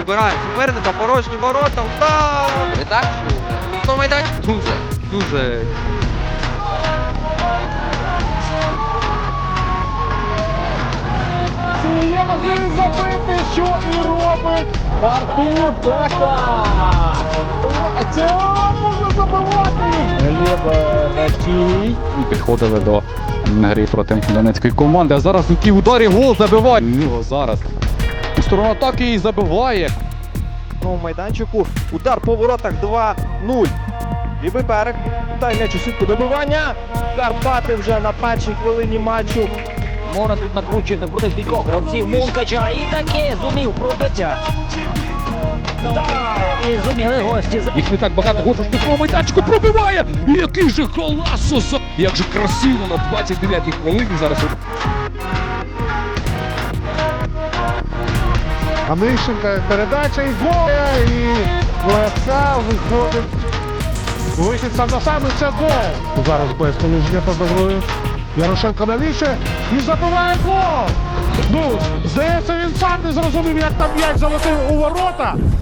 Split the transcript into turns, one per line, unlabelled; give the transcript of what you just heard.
Вибираємо суперника, порожні ворота, удар!
Не так?
Ну, майданчик дуже.
Чи є можливість забити, що і робить Артур Бека. Це можна забивати. Глеб Натій.
Підходили до гри проти донецької команди, а зараз у тій ударі гол забиває. Його зараз у сторону атаки і забиває.
В майданчику. Удар по воротах 2-0. Лівий берег. Дай м'яч у сітку добивання. Карпати вже на першій хвилині матчу.
Можна тут накручувати проти кількох гравців Мункача і таки зумів пробиття. І зуміли гості.
Їх не так багато, гол штрафного майданчику пробиває. І який же коласос! Як же красиво на 29-й хвилині зараз.
Анищенка, передача і гол. І Леса виходить. Вихід сам на сам і це гол. Зараз без коліжня під грою. Ярошенко навіше і забиває гол. Ну, здається, він сам не зрозумів, як там м'яч залетів у ворота.